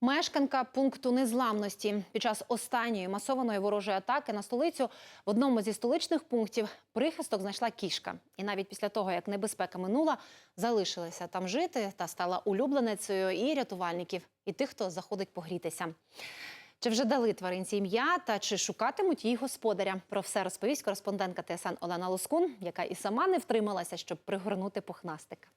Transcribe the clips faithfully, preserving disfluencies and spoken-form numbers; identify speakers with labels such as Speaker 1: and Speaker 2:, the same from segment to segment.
Speaker 1: Мешканка пункту незламності. Під час останньої масованої ворожої атаки на столицю в одному зі столичних пунктів прихисток знайшла кішка. І навіть після того, як небезпека минула, залишилася там жити та стала улюбленицею і рятувальників, і тих, хто заходить погрітися. Чи вже дали тваринці ім'я та чи шукатимуть її господаря? Про все розповість кореспондентка Т С Н Олена Лоскун, яка і сама не втрималася, щоб пригорнути пухнастика.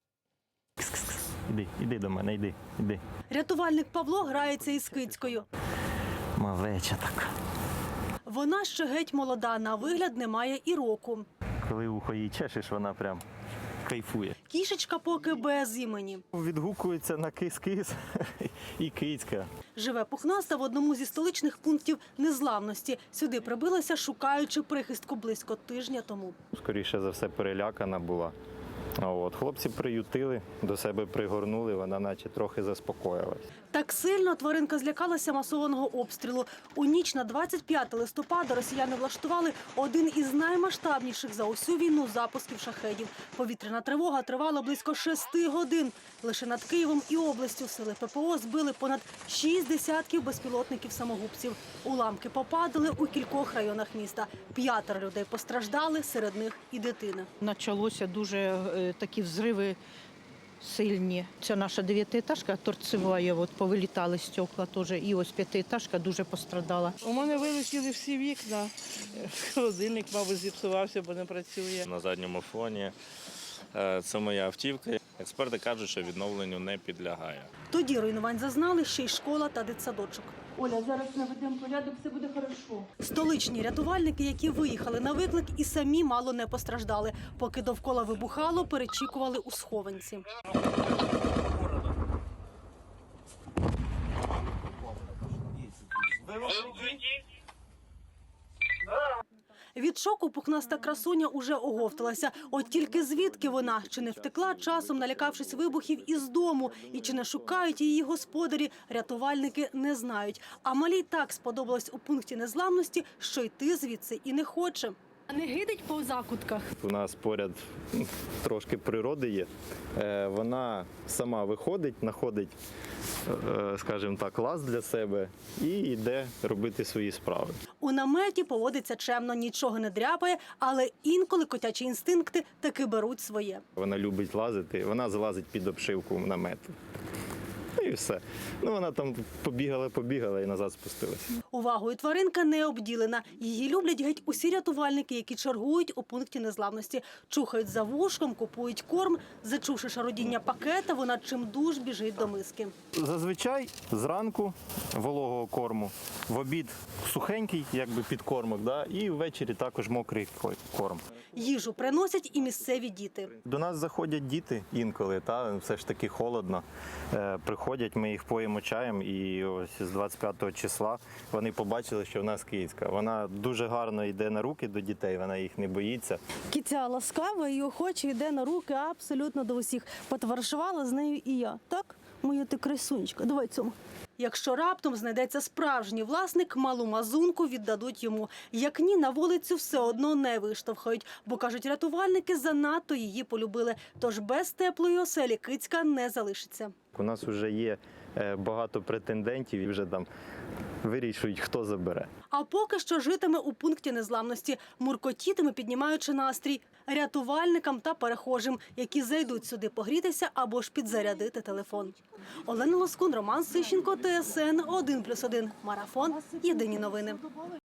Speaker 2: Іди, іди до мене, іди, іди.
Speaker 3: Рятувальник Павло грається із кицькою.
Speaker 2: Малеча така.
Speaker 3: Вона ще геть молода, на вигляд не має і року.
Speaker 2: Коли ухо її чешеш, вона прям кайфує.
Speaker 3: Кішечка поки без імені.
Speaker 2: Відгукується на кис-кис і кицька.
Speaker 3: Живе пухнаста в одному зі столичних пунктів незламності. Сюди прибилася, шукаючи прихистку близько тижня тому.
Speaker 2: Скоріше за все перелякана була. От. Хлопці приютили, до себе пригорнули, вона наче трохи заспокоїлась.
Speaker 3: Так сильно тваринка злякалася масованого обстрілу. У ніч на двадцять п'яте листопада росіяни влаштували один із наймасштабніших за усю війну запусків шахедів. Повітряна тривога тривала близько шести годин. Лише над Києвом і областю сили П П О збили понад шість десятків безпілотників-самогубців. Уламки попадали у кількох районах міста. П'ятеро людей постраждали, серед них і дитина.
Speaker 4: Почалося дуже е, такі взриви сильні. Це наша дев'ятиетажка торцева, от повилітали стекла теж. І ось п'ятиетажка дуже пострадала.
Speaker 5: У мене вилетіли всі вікна. Холодильник, мабуть, зіпсувався, бо не працює.
Speaker 6: На задньому фоні це моя автівка. Експерти кажуть, що відновленню не підлягає.
Speaker 3: Тоді руйнувань зазнали ще й школа та дитсадочок. Оля, зараз наведемо порядок, все буде хорошо. Столичні рятувальники, які виїхали на виклик, і самі мало не постраждали. Поки довкола вибухало, перечікували у схованці. Від шоку пухнаста красуня уже оговталася. От тільки звідки вона? Чи не втекла часом, налякавшись вибухів із дому? І чи не шукають її господарі? Рятувальники не знають. А малій так сподобалось у пункті незламності, що йти звідси і не хоче. А не гидить по закутках?
Speaker 2: У нас поряд трошки природи є. Вона сама виходить, знаходить, скажімо так, лаз для себе і йде робити свої справи.
Speaker 3: У наметі поводиться чемно, нічого не дряпає, але інколи котячі інстинкти таки беруть своє.
Speaker 2: Вона любить лазити, вона залазить під обшивку намету. І все. Ну, вона там побігала-побігала і назад спустилася.
Speaker 3: Увагою тваринка не обділена. Її люблять геть усі рятувальники, які чергують у пункті незламності. Чухають за вушком, купують корм. Зачувши шародіння пакета, вона чимдуж біжить до миски.
Speaker 2: Зазвичай зранку вологого корму, в обід сухенький, якби підкормок, да? І ввечері також мокрий корм.
Speaker 3: Їжу приносять і місцеві діти.
Speaker 2: До нас заходять діти інколи, та все ж таки холодно. Е, приходять, ми їх поїмо чаєм, і ось з двадцять п'ятого числа вони побачили, що в нас кицька. Вона дуже гарно йде на руки до дітей, вона їх не боїться.
Speaker 7: Киця ласкава і охоче йде на руки абсолютно до усіх. Потоваришувала з нею і я. Так? Моя ти красунечка, давай цьому.
Speaker 3: Якщо раптом знайдеться справжній власник, малу мазунку віддадуть йому. Як ні, на вулицю все одно не виштовхають, бо, кажуть рятувальники, занадто її полюбили. Тож без теплої оселі кицька не залишиться.
Speaker 2: У нас вже є багато претендентів і вже там вирішують, хто забере.
Speaker 3: А поки що житиме у пункті незламності, муркотітиме, піднімаючи настрій рятувальникам та перехожим, які зайдуть сюди погрітися або ж підзарядити телефон. Олена Лоскун, Роман Сищенко, Т С Н один плюс один. Марафон. Єдині новини.